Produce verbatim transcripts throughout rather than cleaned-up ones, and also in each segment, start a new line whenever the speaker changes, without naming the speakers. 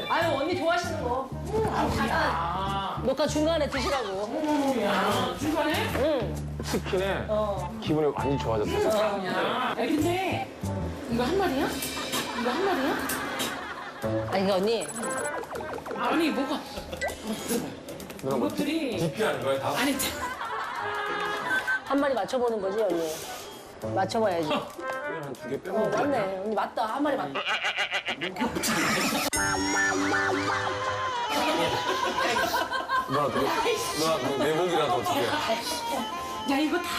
아유 언니 좋아하시는 거. 응, 아, 녹화 중간에 드시라고.
야, 중간에?
응.
치킨에
어.
기분이 완전 좋아졌어.
야, 근데 이거 한 마리야? 이거 한 마리야?
아니 이거 언니.
아니 뭐가?
누나 뭐
이것들이
디피하는 거야 다?
아니 참.
한 마리 맞춰보는 거지 언니. 맞춰봐야지. 어
한두 개 빼먹은 거
맞네.
아니야?
언니 맞다. 한 마리 맞다.
누나 그거 누나 그거 내 목이라도 어떻게?
야 이거 다.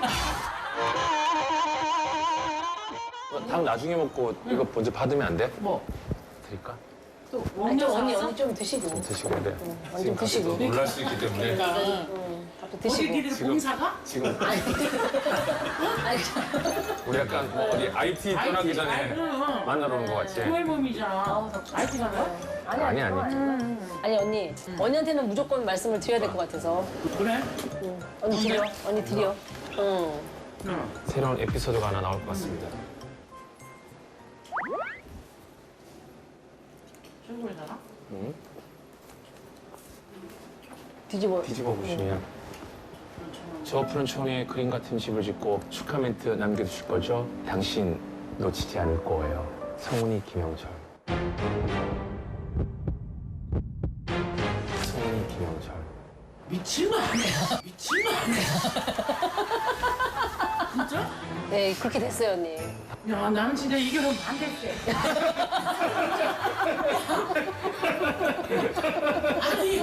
닭 나중에 먹고 이거 먼저 받으면 안 돼?
뭐?
드릴까?
또
아니 좀
원녀
언니
사왔어?
언니 좀 드시고.
드시고 돼.
언니 좀 드시고.
놀랄 수 있기 때문에
밥도
어디
드시고.
니들
지금-
봉사가?
지금
아니.
우리 약간 뭐 어디 아이티 떠나기 전에 만나러 온 거 같지?
그 앨범이잖아. 아이티 가나?
아니
아니, 아니.
아니 언니. 언니한테는 무조건 말씀을 드려야 될 것 같아서.
그래?
응. 언니 드려. 언니 드려. 응.
응.
새로운 에피소드가 하나 나올 것 같습니다.
중국이잖아?
응?
뒤집어.
뒤집어 보시면 저 푸른 초원에 그림 같은 집을 짓고 축하 멘트 남겨주실 거죠? 당신 놓치지 않을 거예요. 성훈이 김영철. 성훈이 김영철.
미친 거 아니야? 미친 거 아니야? 진짜?
네 그렇게 됐어요 언니.
야, 나는 진짜 이 결혼 반대세. 아니,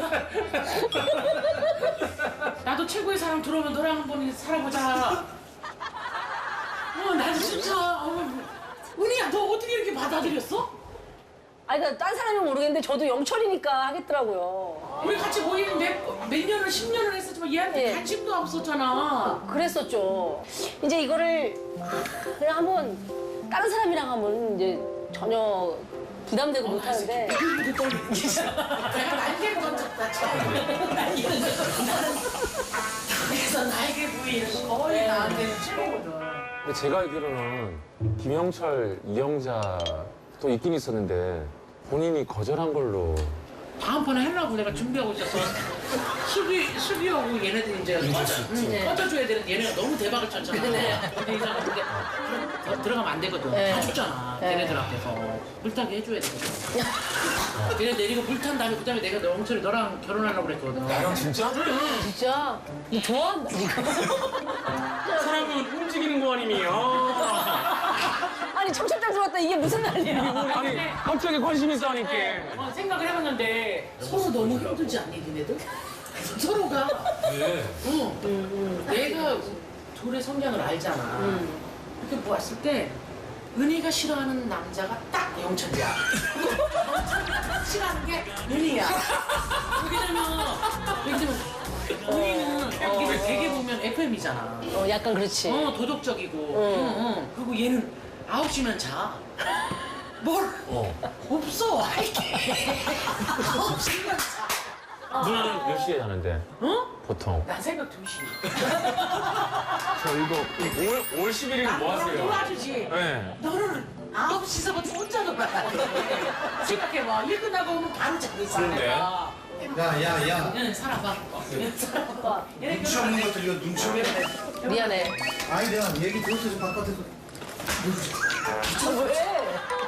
나도 최고의 사랑 들어오면 너랑 한번 살아보자. 어, 난 진짜. 어, 은희야, 너 어떻게 이렇게 받아들였어?
아니 그러니까 딴 사람은 모르겠는데 저도 영철이니까 하겠더라고요.
우리 같이 모이는 몇, 몇 년을, 십 년을 했었지만 얘한테
예.
관심도 없었잖아.
그랬었죠. 이제 이거를 그냥 한번 다른 사람이랑 하면 이제 전혀 부담되고 못하는데
내가 날개를 던졌다, 처음. 날개를 던졌다. 그래서 날개 부위는 거의 나한테는 최고거든.
근데 제가 알기로는 김영철, 이영자도 있긴 있었는데 본인이 거절한 걸로.
다음번에 하려고 내가 준비하고 있었어. 수비, 수비하고 얘네들 이제 꺼져, 꺼져줘야 되는 얘네가 너무 대박을 쳤잖아. 근데 이 사람 근데 더 들어가면 안 되거든.
네.
다 줬잖아.
네.
걔네들 앞에서. 물타게 해줘야 되거든. 걔네 내리고 물 탄 다음에 그 다음에 내가 너 영철이 너랑 결혼하려고 그랬거든.
형 진짜?
진짜 너 좋아한다 이거.
사람은 움직이는 거 아니에요.
아니 청첩장 들어왔다 이게 무슨 난리야.
아니 갑자기 관심이 있어하니까.
어, 생각을 해봤는데 서로 너무 힘들지 않니, 니네들? 서로가.
네.
응. 내가 둘의 성향을 알잖아. 이렇게 보았을 때 은희가 싫어하는 남자가 딱 영철이야. 영철이가 싫어하는 게 은희야. 왜냐면 왜냐면 은희는 여기 되게 보면 에프엠이잖아.
어 약간 그렇지.
어 도덕적이고. 응, 응. 그리고 얘는 아홉 시면 자. 뭘?
어.
없어. 이게. 아홉 시면 자.
누나는 몇 시에 자는데?
어?
보통.
난 새벽 두 시.
저 이거 오월, 오월 십일 일 뭐 하세요?
도와주지.
네.
너는 아홉 시서부터 혼자 놀아야 돼. 생각해봐. 일 끝나고 오면 바로 자고 있어.
그런데?
내가.
야, 야, 야.
얘는 살아봐. 얘는 살아봐. 얘네
눈치 없는 것들 이거 눈치 없는 것들.
미안해.
아니 내가 얘기 들었어 바깥에서.
아, 왜?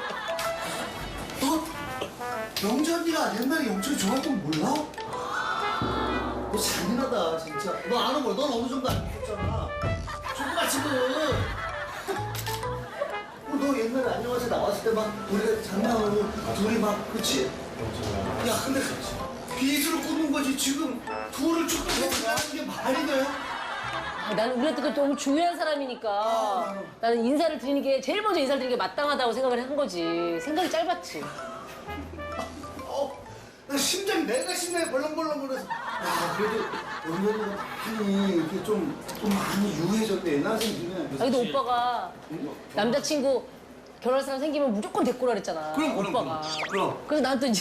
너 영전이가 옛날에 영철이 좋아했던 거 몰라? 너 잔인하다 진짜. 너 아는 거야. 넌 어느 정도 알고 있잖아. 조그마치는. 어, 너 옛날에 안녕하세요 나왔을 때 막 우리가 장난하고 둘이 막 그치? 야 근데 빚으로 굽는 거지 지금 둘을 축하는 게 말이 돼?
아, 나는 우리한테 너무 중요한 사람이니까 나는 인사를 드리는 게 제일 먼저 인사를 드리는 게 마땅하다고 생각을 한 거지. 생각이 짧았지.
어, 나 심장이 내가 심장이 벌렁벌렁거려서 야 그래도 연결이가 많이 이렇게 좀, 좀 많이 유해졌대 옛날 생기네.
아, 근데 오빠가 남자친구 결혼할 사람 생기면 무조건 데리고 오라 그랬잖아.
그럼, 그럼,
오빠가.
그럼, 그럼.
그래서 난 또 이제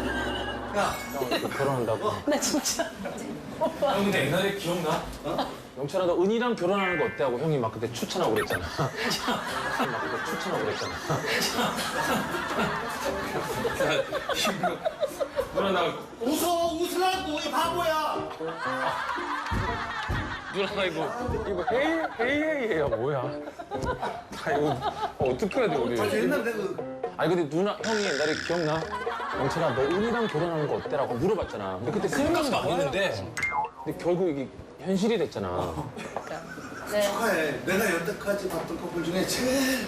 야,
결혼한다고?
나 진짜 오빠.
형 근데 옛날에 기억나? 어? 영철아 너 은희랑 결혼하는 거 어때? 하고 형이 막 그때 추천하고 그랬잖아. 형이 막 그때 추천하고 그랬잖아. 누나 나
웃어 웃으라고 이 바보야.
누나 나 이거 이거 헤이 헤이헤이야 뭐야? 아 이거 어떻게 해야 돼 우리?
아 옛날 내가 그-
아니 근데 누나 형이 옛날에 기억나? 영철아 너 은희랑 결혼하는 거 어때라고 물어봤잖아. 근데 그때 생각은 막 했는데 근데 결국 이게 현실이 됐잖아.
네.
축하해. 내가 여태까지 봤던 커플 중에 제일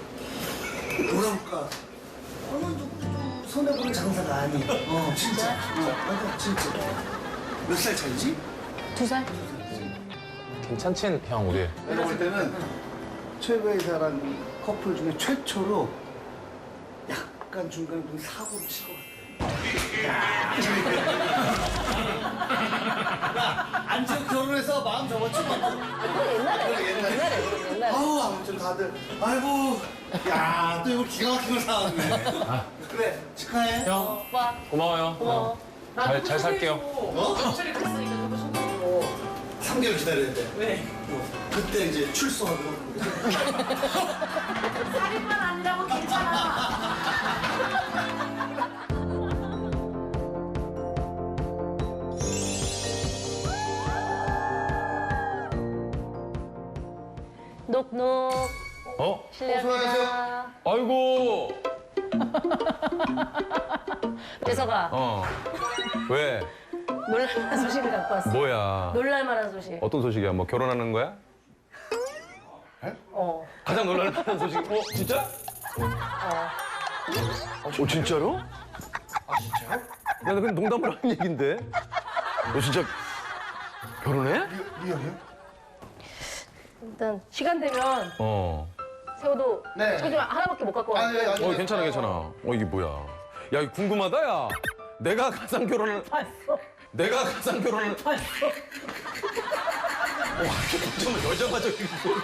뭐랄까 어느 누구도 손해보는 장사가 아니. 어 진짜. 어, 맞아 진짜. 몇 살 차이지?
두 살?
괜찮지 형 우리?
내가 볼 때는 최고의 사랑 커플 중에 최초로 약간 중간에 좀 사고를 치고 안 지고 결혼해서 마음 접었지 뭐.
그거 옛날에.
옛날에.
옛날에. 옛날에.
아우 아무튼 다들 아이고 야 또 이거 기가 막힌 걸 사왔네. 그래 축하해.
형
오빠.
고마워요.
고마워.
잘, 잘 살게요.
어?
영철이 그랬으니까 너무 속상하고.
삼 개월 기다려야 돼.
왜?
어, 그때 이제 출소하고.
살인만 아니라고 괜찮아.
녹녹.
어?
실례합니다.
아이고.
재석아,
어. 왜?
놀랄만한 소식을 갖고 왔어.
뭐야?
놀랄만한 소식.
어떤 소식이야? 뭐 결혼하는 거야?
어.
가장 놀랄만한 소식. 어, 진짜?
어.
어, 진짜로? 아, 진짜요? 야, 나 그냥 농담으로 한 얘긴데. 너 진짜 결혼해?
리얼이요?
일단 시간 되면
어.
세호도
네.
저기 하나밖에 못 갖고
아니
왔어.
아니.
어, 괜찮아, 괜찮아. 어, 이게 뭐야? 야, 이거 궁금하다, 야. 내가 가상 결혼을.
봤어.
내가 가상 결혼을.
봤어.
와, 정말 여자마저 이거.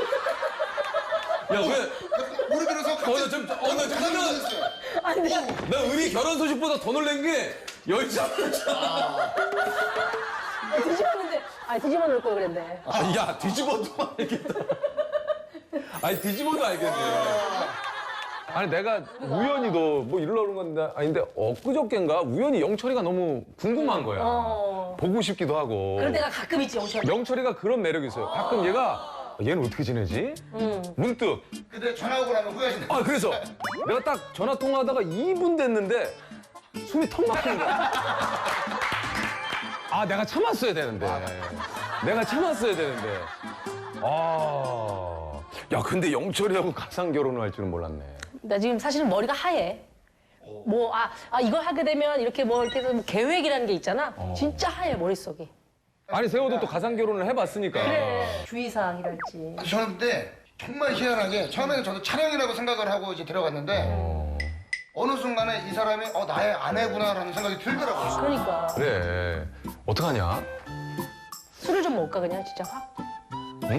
야, 왜?
무릎 들어서
어, 나 좀, 어, 나 좀, 나,
아니,
나 은희 결혼 소식보다 더 놀란 게 여자마자.
뒤집었는데, 아 뒤집어 놓을 걸 그랬네.
아, 야, 뒤집어도 알겠다. 아니, 뒤집어도 알겠네. 아니, 내가 우연히도 뭐 이러려는 건데, 아닌데, 엊그저께인가 우연히 영철이가 너무 궁금한 거야.
어.
보고 싶기도 하고.
그럴 때가 가끔 있지, 영철.
영철이가 그런 매력이 있어요. 가끔 얘가, 얘는 어떻게 지내지?
응.
문득.
근데 전화 오고 나면 후회하신다.
아, 그래서 내가 딱 전화 통화하다가 이 분 됐는데 숨이 턱 막히는 거야. 아, 내가 참았어야 되는데. 내가 참았어야 되는데. 아. 야, 근데 영철이하고 가상 결혼을 할 줄은 몰랐네.
나 지금 사실은 머리가 하얘. 뭐, 아, 아, 이거 하게 되면 이렇게 뭐, 이렇게 해서 뭐 계획이라는 게 있잖아. 진짜 하얘, 머릿속이.
아니, 세호도 또 가상 결혼을 해봤으니까.
그래. 주의사항이랄지.
저는 그때 정말 희한하게 처음에는 저도 촬영이라고 생각을 하고 이제 들어갔는데
어.
어느 순간에 이 사람이 어 나의 아내구나라는 생각이 들더라고요.
그러니까.
그래. 어떡하냐?
술을 좀 먹을까, 그냥, 진짜 확.
응?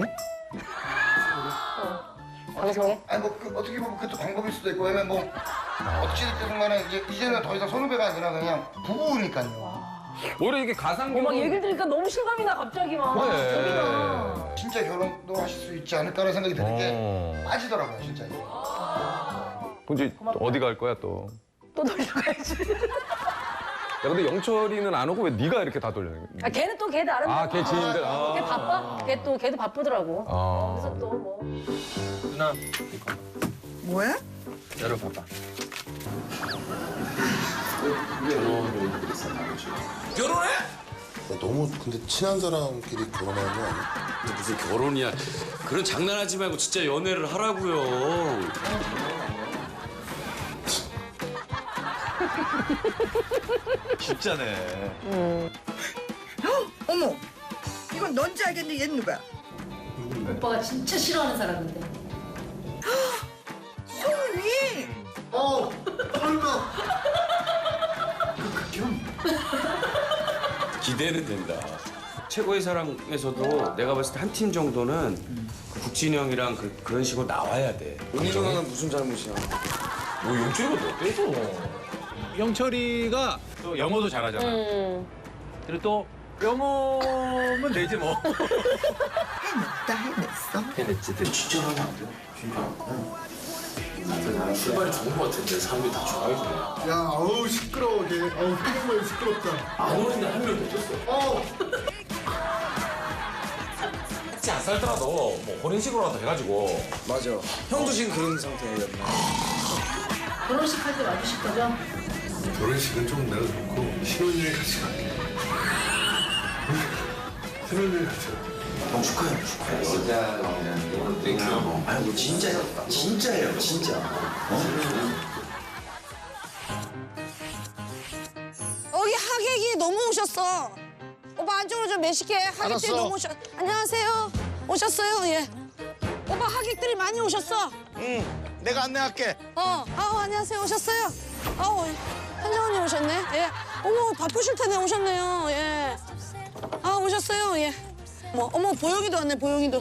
방송에?
아니 뭐 그, 어떻게 보면 그것도 방법일 수도 있고 왜냐면 뭐 어찌됐든 순간에 이제 이제는 더 이상 선후배가 아니라 그냥 부부니까요.
오히려 이게 가상
어, 막
결혼.
얘기를 들으니까 너무 실감이 나, 갑자기 막.
그래.
겁이 나.
진짜 결혼도 하실 수 있지 않을까라는 생각이 드는 게
어.
빠지더라고요 진짜.
근데 또 어디 갈 거야, 또?
또 돌려가야지.
야, 근데 영철이는 안 오고 왜 네가 이렇게 다 돌려?
아, 걔는 또 걔 나름.
아, 걔 지인들. 아.
걔 바빠. 걔 또, 걔도 바쁘더라고.
아.
그래서 또 뭐.
누나,
뭐야?
열어봐봐.
결혼해? 너무 근데 친한 사람끼리 결혼하는 거 아니야?
무슨 결혼이야. 그런 장난하지 말고 진짜 연애를 하라고요.
진짜네.
어머, 이건 넌지 알겠는데 얘는 누구야?
오빠가 진짜 싫어하는 사람인데.
소은이!
어 설마.
기대는 된다. 최고의 사랑에서도 내가 봤을 때 한 팀 정도는 그 국진이 형이랑 그, 그런 식으로 나와야 돼.
은희 누나는 무슨 잘못이야?
뭐 용철이가 뭐 어때서?
영철이가 또 영어도 잘하잖아.
음.
그리고 또 뼈몸은 되지 뭐.
해냈다 해냈어.
해냈지. 근데 진짜 하면 안 돼? 진짜. 출발이 좋은 것 같은데 사람들이 다 좋아해주네.
야, 어우 시끄러워 걔. 어우 정말 시끄럽다.
안 오는데 한 명 놓쳤어.
어.
같이 안 살더라도 뭐 혼인식으로라도 해가지고.
맞아. 형도 지금 그런 상태였나?
결혼식 할 때 와주실 거죠?
결혼식은 좀 내가 좋고 신혼여행 같이 갈게. 신혼여행 같이 갈게.
형 축하해요. 축하해. 여자랑이라는 게 땡큐. 아이고 진짜 진짜예요 진짜.
여기 하객이 너무 오셨어. 오빠 안쪽으로 좀 매실게. 하객들이
알았어.
너무 오셨. 안녕하세요. 오셨어요? 예. 오빠 하객들이 많이 오셨어.
응. 내가 안내할게.
어. 아우 안녕하세요. 오셨어요? 아우 현정언니 오셨네. 예. 어머 바쁘실 텐데 오셨네요. 예. 아 오셨어요. 예. 어머 어머 보영이도 왔네. 보영이도.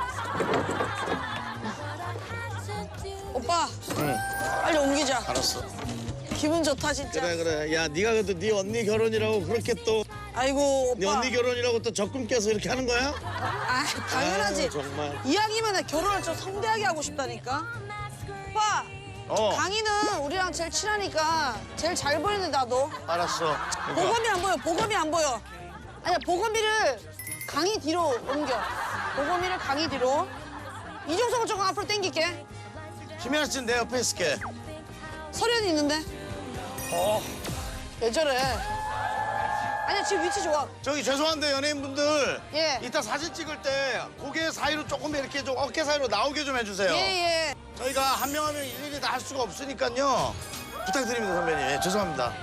오빠.
응.
빨리 옮기자.
알았어.
기분 좋다 진짜.
그래 그래. 야 네가 그래도 네 언니 결혼이라고 그렇게 또 네
아이고 오빠.
언니 결혼이라고 또 적금 깨서 이렇게 하는 거야?
아 당연하지.
아유, 정말.
이왕이면 나 결혼을 좀 성대하게 하고 싶다니까. 오빠.
어.
강희는 우리랑 제일 친하니까 제일 잘 보이는데 나도.
알았어.
보검이 안 보여. 보검이 안 보여. 아니야 보검이를 강희 뒤로 옮겨. 보검이를 강희 뒤로. 이종석을 조금 앞으로 당길게.
김연아 씨는 내 옆에 있을게.
설현이 있는데.
어.
왜 저래? 아니야 지금 위치 좋아.
저기 죄송한데 연예인분들.
예.
이따 사진 찍을 때 고개 사이로 조금 이렇게 좀 어깨 사이로 나오게 좀 해주세요.
예예.
저희가 한 명 하면 일일이 다 할 수가 없으니까요. 부탁드립니다 선배님. 예, 죄송합니다.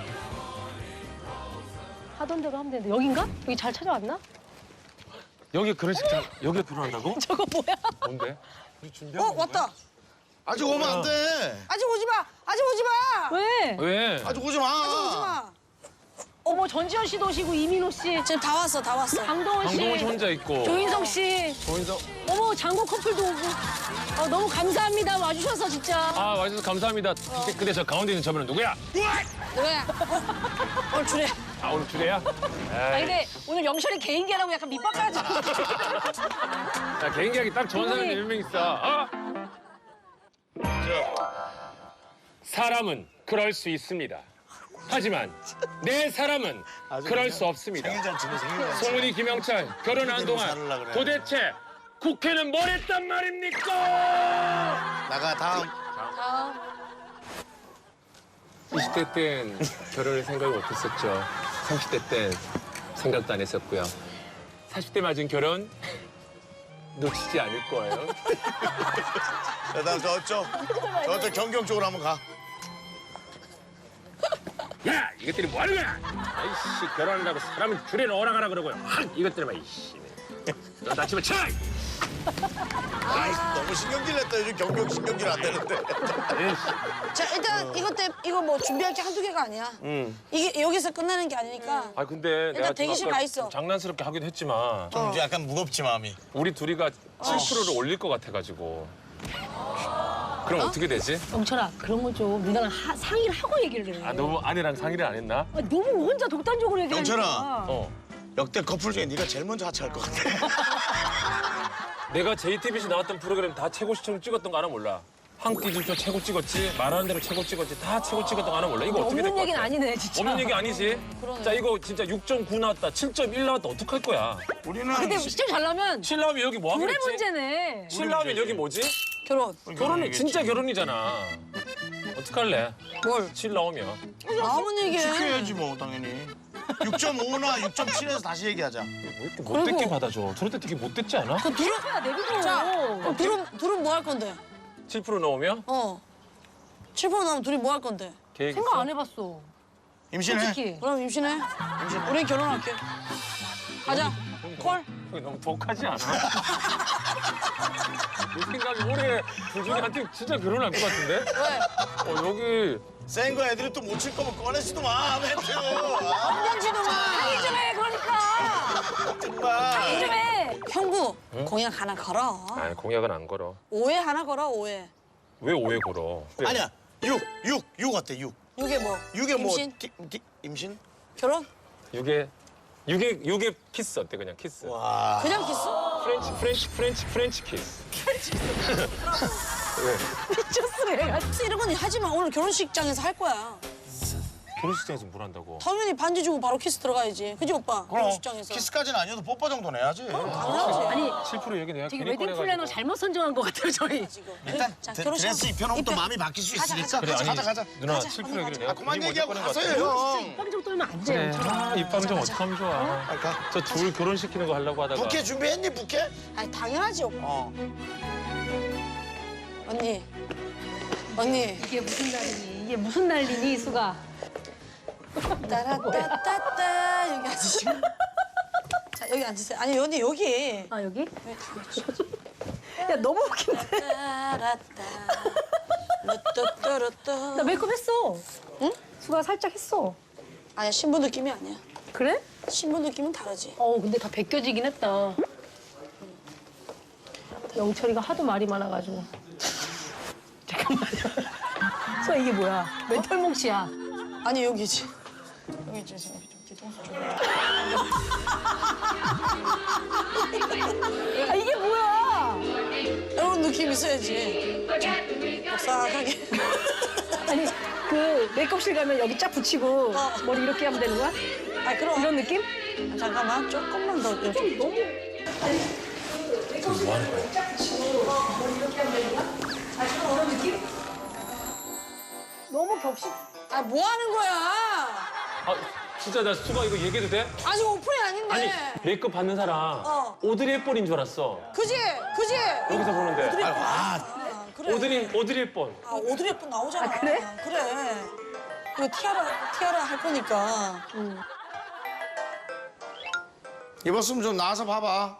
하던 대로 하면 되는데 여긴가? 여기 잘 찾아왔나?
여기 결혼식 장 여기 결혼한다고?
저거 뭐야?
뭔데?
어 왔다.
아직 오면 안 돼.
아직 오지 마. 아직 오지 마.
왜?
왜?
아직 오지 마.
아직 오지 마.
어머 전지현 씨도 오시고 이민호 씨,
지금 다 왔어 다 왔어.
강동원 씨,
강동원 씨 혼자 있고.
조인성 씨,
조인성.
어머 장국 커플도 오고. 어, 너무 감사합니다 와주셔서 진짜.
아 와주셔서 감사합니다. 근데, 근데 저 가운데 있는 저분은 누구야?
누구야? 어? 오늘 주례.
아 오늘 주례야?
아 근데 오늘 영철이 개인기 하라고 약간 밑밥 깔아줘.
야 개인기하기 딱 좋은 사람이 몇 명 있어. 어? 사람은 그럴 수 있습니다. 하지만 내 사람은 그럴 수 없습니다.
생일잔치네 생일잔치.
송은이 김영철 결혼한 동안
그래.
도대체 국회는 뭘 했단 말입니까?
나가 다음.
이십 대 땐 결혼을 생각을 못했었죠. 삼십 대 땐 생각도 안 했었고요. 사십 대 맞은 결혼 놓치지 않을 거예요.
자, 다음 저쪽. 저쪽 경경 쪽으로 한번 가.
야, 이것들이 뭐 하는 거야? 아이씨, 결혼한다고 사람은 줄에 오라가라 그러고요. 확, 이것들이 막 이씨. 너 다치면 쳐!
아이, 너무 신경질 냈다. 요즘 경경 신경질 안 되는데.
자 일단 이것 때 이거 뭐 준비할 게 한두 개가 아니야.
응.
이게 여기서 끝나는 게 아니니까.
아, 근데 내가 좀
대기실
아까
가 있어.
좀 장난스럽게 하기도 했지만
좀 이제 약간 무겁지 마음이.
우리 둘이가 칠 퍼센트를 올릴 것 같아가지고. 그럼 어? 떻게 되지?
영철아 그런 거 좀 누나랑 하, 상의를 하고 얘기를 해.
아, 너무 아내랑 상의를 안 했나?
아, 너무 혼자 독단적으로 얘기하니까.
영철아.
어.
역대 커플 중에 네가 제일 먼저 하차할 것 같아.
내가 제이티비씨 나왔던 프로그램 다 최고 시청 찍었던 거 하나 몰라. 한 끼 줍쇼 최고 찍었지, 말하는 대로 최고 찍었지, 다 최고 찍었던 거 하나 몰라. 이거 어떻게 될
없는
것
얘기는
같아?
아니네 진짜.
없는 얘기 아니지? 자, 이거 진짜 육 점 구 나왔다, 칠 점 일 나왔다, 어떡할 거야?
우리는
근데 시점 잘 나면
칠 나오면 여기 뭐 하면
둘의
됐지?
문제네.
칠 나오면 여기 뭐지?
결혼.
결혼이 진짜 결혼이잖아. 어떡할래?
뭘?
칠 나오면.
나오면 얘기해.
지켜야지 뭐 당연히. 육 점 오나 육 점 칠에서 다시 얘기하자.
왜 이렇게 못됐게 받아줘? 저럴 때 되게 못됐지 않아?
그 둘은
야 내비둬.
자 그럼 둘은 둘은 뭐 할 건데?
칠 퍼센트 나오면?
어. 칠 퍼센트 나오면 둘이 뭐 할 건데?
계획
생각
있어?
안 해봤어.
임신해.
솔직히.
그럼 임신해. 우리 결혼할게. 가자. 콜.
그게 너무 독하지 않아? 내 생각에 올해 둘 중에 한테 진짜 결혼할 것 같은데?
왜?
어, 여기
센 거 애들이 또 못 칠 거면 꺼내지도 마. 멘트.
건강지도 마.
상의 좀 해 그러니까.
정말.
상의 좀 해.
형부 공약 하나 걸어.
아니 공약은 안 걸어.
오해 하나 걸어 오해.
왜 오해 걸어?
아니야. 육, 육, 육 어때? 육.
이게 뭐?
육에 뭐
임신?
기- 기- 임신?
결혼?
육에 육에 육에 키스 어때 그냥 키스.
그냥 키스?
프렌치 프렌치 프렌치 프렌치 키스.
미쳤어 얘가. 이런 건 하지 마. 오늘 결혼식장에서 할 거야.
결혼식장에서 뭘 한다고?
당연히 반지 주고 바로 키스 들어가야지. 그지 오빠? 결혼식장에서.
키스까지는 아니어도 뽀뽀 정도는 해야지.
당연하지.
아니
칠 퍼센트 여기 내가
저기
괜히
웨딩
꺼내가지고.
플래너 잘못 선정한 것 같아요 저희.
일단
자,
드-
결혼식
드레스 입혀놓으면 또
입혀.
마음이 바뀔 수
가자,
있으니까.
그래, 아니,
가자 가자.
누나
가자,
칠
언니
퍼센트 여기 내가
아, 그만
괜히 먼저
얘기하고
꺼낸 것
가세요
같아.
형.
빵 좀 떨면 안
그래.
돼요.
아, 입방 좀 어떡하면 좋아.
가.
저 둘 결혼시키는 거 하려고 하다가.
부케 준비했니 부케?
아니 당연하지 오빠.
어.
언니. 언니.
이게 무슨 날이니? 이게 무슨 난리니 수가?
따라따따따 여기 앉으시고. 자 여기 앉으세요. 아니 언니 여기.
아 여기? 야 너무 웃긴데.
따라따. 루뚜뚜루뚜.
나 메이크업 했어.
응?
수가 살짝 했어.
아니야 신부 느낌이 아니야.
그래?
신부 느낌은 다르지.
어 근데 다 벗겨지긴 했다. 영철이가 하도 말이 많아가지고. 잠깐만요. 수아 이게 뭐야? 왜 털뭉치야?
아니 여기지. 여기지 지금 좀 뒤통수 좀.
아 이게 뭐야?
이런 느낌 있어야지. 싹하게.
아니 그 메이크업실 가면 여기 쫙 붙이고
어.
머리 이렇게 하면 되는 거야?
아 그럼.
이런 느낌?
잠깐만 조금만 더. 이렇게.
너무.
뭐 하는 거야?
쫙 붙이고 머리 이렇게 하면 되는 거야? 아 지금 이런 느낌? 너무 격식.
아 뭐 하는 거야?
아 진짜 나 수가 이거 얘기해도 돼?
아직 오픈이 아닌데.
아니 메이크업 받는 사람
어.
오드리 헵번인 줄 알았어.
그지? 그지?
여기서 보는데.
오드리 헵번.
아,
그래.
오드리 오드리 헵번.
아 오드리 헵번 나오잖아.
아, 그래?
그래. 이거 티아라 티아라 할 거니까. 응.
입었으면 좀 나와서 봐봐.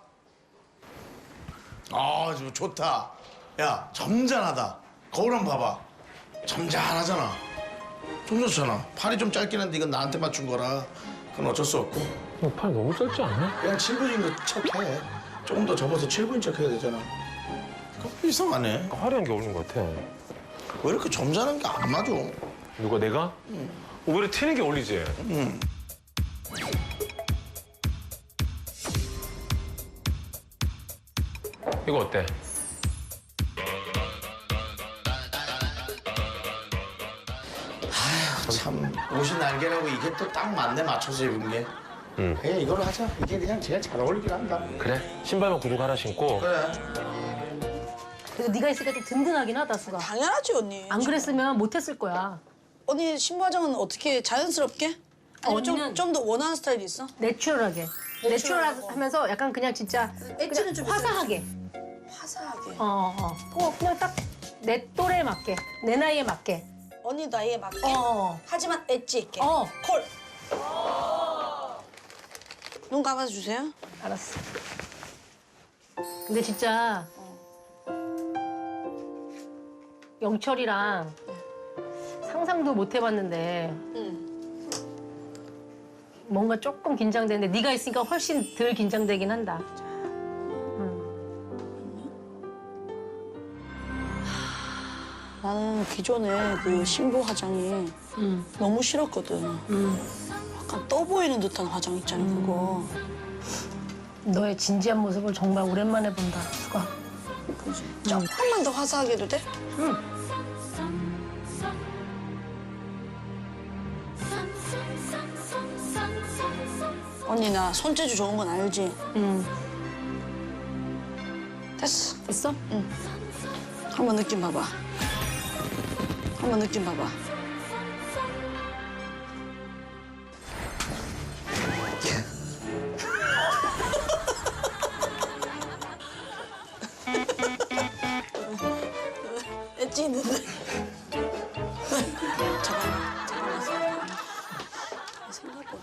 아, 좀 좋다. 야, 점잖하다. 거울 한번 봐봐. 점잖하잖아. 좀 좋잖아. 팔이 좀 짧긴 한데 이건 나한테 맞춘 거라. 그건 어쩔 수 없고.
어, 팔 너무 짧지 않냐?
그냥 칠 분인 거 척해. 조금 더 접어서 칠 분인 척 해야 되잖아. 그거 이상하네.
화려한 게 어울리는 것 같아.
왜 이렇게 점잖은 게 안 맞아?
누가 내가? 응. 오히려 튀는 게 어울리지?
응.
이거 어때?
참, 옷이 날개라고 이게 또 딱 맞네, 맞춰서 입은 게.
응.
그냥 이걸로 하자. 이게 그냥 제일 잘 어울리긴 한다.
그래? 신발만 구두 갈아 신고.
그래.
그래도 네가 있으니까 좀 든든하긴 하다 수가.
당연하지 언니.
안 그랬으면 못했을 거야.
언니 신부 화장은 어떻게 자연스럽게? 아니면
언니는-
좀좀 더 원하는 스타일이 있어?
내추럴하게. 내추럴하면서 약간 그냥 진짜
엣지는 좀
화사하게.
화사하게.
어, 어. 어, 그냥 딱 내 또래에 맞게, 내 나이에 맞게.
언니 나이에 맞게.
어.
하지만 엣지 있게.
어.
콜. 눈 감아 주세요.
알았어. 근데 진짜 영철이랑 상상도 못 해봤는데
응.
뭔가 조금 긴장되는데 네가 있으니까 훨씬 덜 긴장되긴 한다.
나는 기존에 그 신부 화장이
응.
너무 싫었거든.
응.
약간 떠 보이는 듯한 화장 있잖아 그거.
너의 진지한 모습을 정말 오랜만에 본다, 수가.
그지? 조금만 더 화사하게 해도 돼?
응.
언니 나 손재주 좋은 건 알지?
응.
됐어.
됐어?
응. 한번 느낌 봐봐. 한번 느낌 봐봐. 엣지 있는데. 잠깐만, 잠깐만, 잠깐만. 생각보다.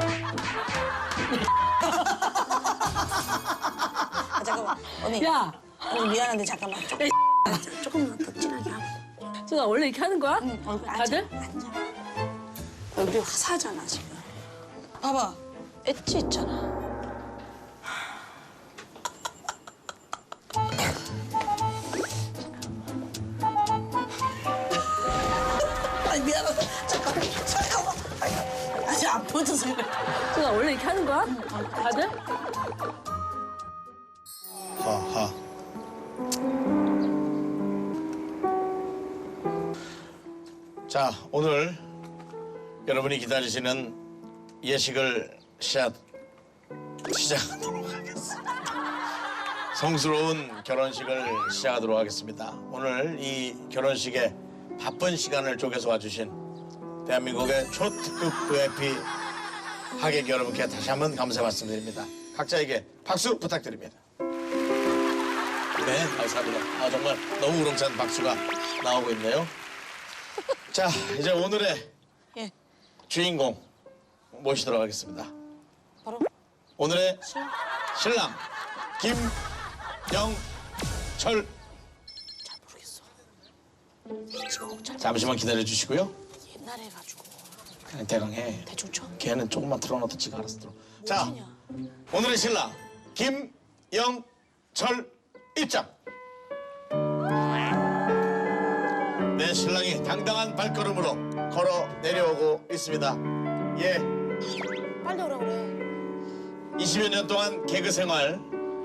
아, 잠깐만. 언니.
야!
언니 미안한데 잠깐만. 조금, 조금만 더 진하게 하고.
수가 원래 이렇게 하는 거야?
응, 얼굴 앉아.
다들?
앉아. 얼굴이 화사하잖아, 지금. 봐봐. 엣지 있잖아. 아니, 미안하다. 잠깐만, 잠깐만. 아니, 아니 아파. 먼저 서.
수가 원래 이렇게 하는 거야? 다들?
하하. 자, 오늘 여러분이 기다리시는 예식을 시작, 시작하도록 하겠습니다. 성스러운 결혼식을 시작하도록 하겠습니다. 오늘 이 결혼식에 바쁜 시간을 쪼개서 와주신 대한민국의 초특급 브이아이피 하객 여러분께 다시 한번 감사 말씀드립니다. 각자에게 박수 부탁드립니다. 네, 감사합니다. 아, 정말 너무 우렁찬 박수가 나오고 있네요. 자, 이제 오늘의
예.
주인공 모시도록 하겠습니다.
바로
오늘의
신랑.
신랑 김영철.
잘 모르겠어. 지금 잘
잠시만 기다려 주시고요.
옛날에 해가지고
그냥 대강 해.
대충 쳐.
걔는 조금만 틀어놔도 지가 알아서 들어. 자,
무엇이냐?
오늘의 신랑 김영철 입장. 내 신랑이 당당한 발걸음으로 걸어 내려오고 있습니다. 예,
빨리 오라 그래.
이십여 년 동안 개그 생활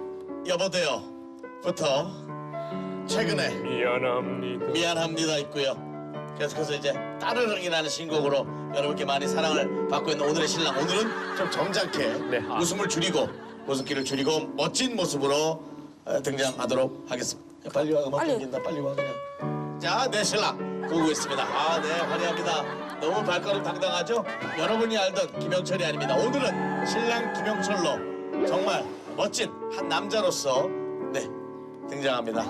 여보세요부터 최근에
미안합니다.
미안합니다 있고요. 계속해서 이제 따르릉이라는 신곡으로 여러분께 많이 사랑을 받고 있는 오늘의 신랑. 오늘은 좀 점잖게
네. 아.
웃음을 줄이고 웃음기를 줄이고 멋진 모습으로 어, 등장하도록 하겠습니다. 야, 빨리 와, 음악
빨리.
끊긴다. 빨리 와 그냥. 자, 내 신랑 보고 있습니다. 아, 네, 환영합니다. 너무 발걸음 당당하죠? 여러분이 알던 김영철이 아닙니다. 오늘은 신랑 김영철로 정말 멋진 한 남자로서 네 등장합니다.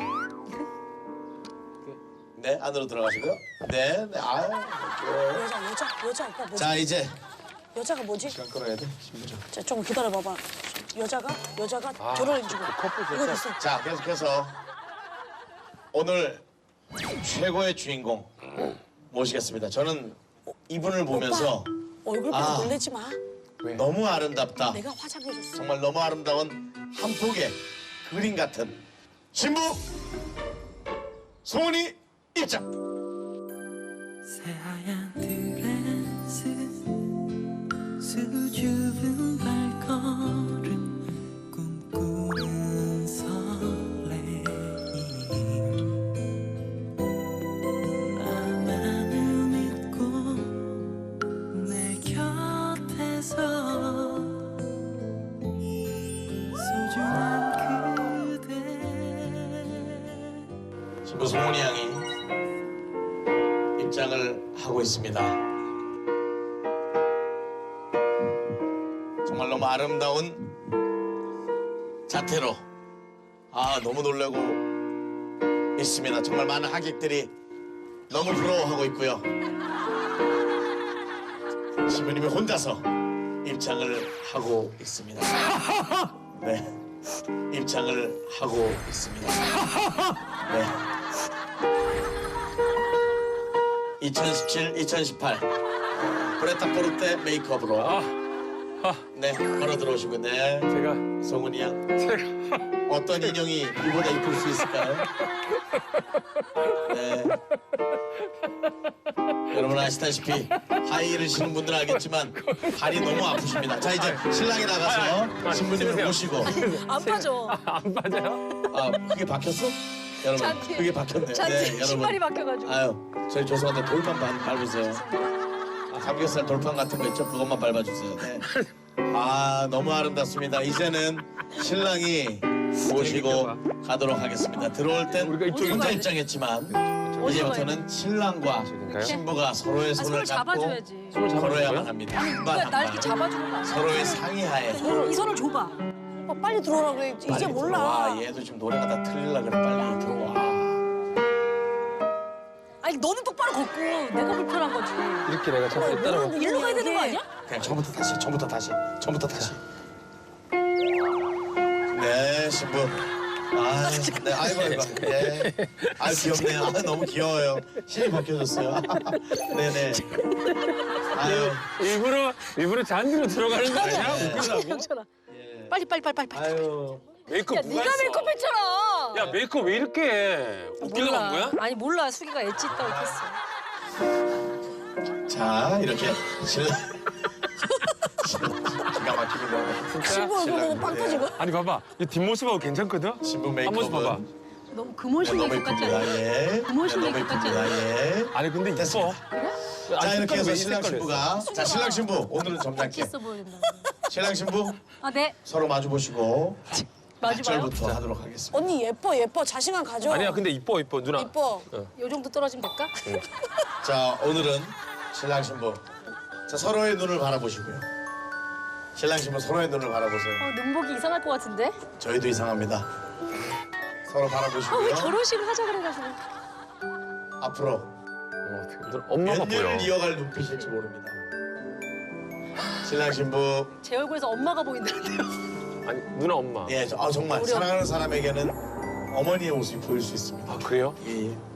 네, 안으로 들어가시고요. 네, 네, 아유, 이렇게.
여자 여자 여자 오빠 뭐지?
자, 이제
여자가 뭐지?
시간 끌어야 돼. 신부죠.
자, 좀 기다려봐봐. 여자가 여자가 저를 해주고 이거 됐어.
자, 계속해서 오늘 최고의 주인공 모시겠습니다. 저는 이분을 보면서
얼굴 보고
아.
놀래지 마.
너무 아름답다.
내가 화장해줬어.
정말 너무 아름다운 한 폭의 그림 같은 신부 송은이 입장.
새하얀 드레스 수줍은 발걸음 꿈꾸는 설레임 나만을 믿고 내 곁에서 소중한 그대.
신부 송은이 양이 입장을 하고 있습니다. 정말 너무 아름다운 자태로 아 너무 놀라고 있습니다. 정말 많은 하객들이 너무 부러워하고 있고요. 신부님이 혼자서 입장을 하고 있습니다. 네, 입장을 하고 있습니다. 네. 이천십칠, 이천십팔 브레타포르테 메이크업으로 네 걸어 들어오시고 네
제가
송은이 양
제가
어떤 인형이 이보다 이쁠 수 있을까요? 네 여러분 아시다시피 하이힐을 신는 분들은 알겠지만 발이 너무 아프십니다. 자 이제 신랑이 나가서 신부님을 모시고
안 빠져.
안 빠져요?
아 그게 박혔어? 여러분
잔디.
그게 박혔네요.
잔디
네, 여러분.
신발이 바뀌어가지고.
아유, 저희 죄송한데 돌판 밟- 밟으세요. 아, 삼겹살 돌판 같은 거 있죠? 그것만 밟아주세요. 네. 아, 너무 아름답습니다. 이제는 신랑이 모시고 가도록 하겠습니다. 들어올 땐
우리가 이쪽에
혼자
가야
입장했지만 이제부터는 신랑과 신부가 서로의 손을
손을
잡고
잡아줘야지.
걸어야만 합니다. 한 발
누가
한
날 이렇게
발.
잡아주는 거 아니야?
서로의 상의하에.
이, 이 손을 줘봐. 오빠 빨리 들어오라 그래. 이제
빨리
몰라.
들어와. 얘도 지금 노래가 다 틀리려 그래. 빨리 들어와.
아니 너는 똑바로 걷고 내가 불편한 거지.
이렇게 내가 자꾸 따라가.
일로 가야 되는 거 아니야?
그냥 처음부터 다시, 처음부터 다시, 처음부터 다시. 네, 신부. 아, 네, 아이고, 아이고. 예. 아, 귀엽네요. 아, 너무 귀여워요. 신이 벗겨졌어요. 네네. 아유,
일부러 일부러 잔디로 들어가는 거 아니야? 웃기려고?
영철아. 빨리 빨리 빨리 빨리. 빨리.
아유.
메이크업
야
누가
네가
했어?
메이크업 했잖아.
야 메이크업 왜 이렇게 해? 웃기려고 한 거야?
아니 몰라. 수기가 엣지 있다고 했어.
자, 이렇게 신랑. 기가 막힙니다.
신부 얼굴 보고 빵 터지고.
아니 봐봐, 이 뒷모습하고 괜찮거든?
신부
한 번씩 봐봐.
메이크업은
너무 금원식
너무
메이크업 같지 않아?
이쁩니다. 예.
금원식
너무
메이크업 같지
이쁩니다.
않아?
예.
아니 근데 이뻐.
됐습니다. 자 이렇게 해서
왜
신랑
색깔을
신부가 자 신랑 신부 오늘은 점잖게
있어 보인다.
신랑 신부
아, 네.
서로 마주 보시고
마주 봐요.
절부터 하도록 하겠습니다.
언니 예뻐 예뻐 자신감 가져.
아니야 근데 이뻐 이뻐 누나.
이뻐.
요 정도 떨어지면 될까?
자 오늘은 신랑 신부 자 서로의 눈을 바라보시고요. 신랑 신부 서로의 눈을 바라보세요.
어, 눈목이 이상할 것 같은데?
저희도 이상합니다. 서로
아, 왜
바라보시고요.
결혼식을 하자 그래가지고.
앞으로
어, 어떻게, 누나 엄마가
몇
보여.
년을 이어갈 눈빛일지 모릅니다. 신랑 신부
제 얼굴에서 엄마가 보인다는데요.
아니 누나 엄마.
예, 저- 아, 정말
우리
사랑하는 사람에게는 어머니의 모습이 보일 수 있습니다.
아 그래요?
예, 예.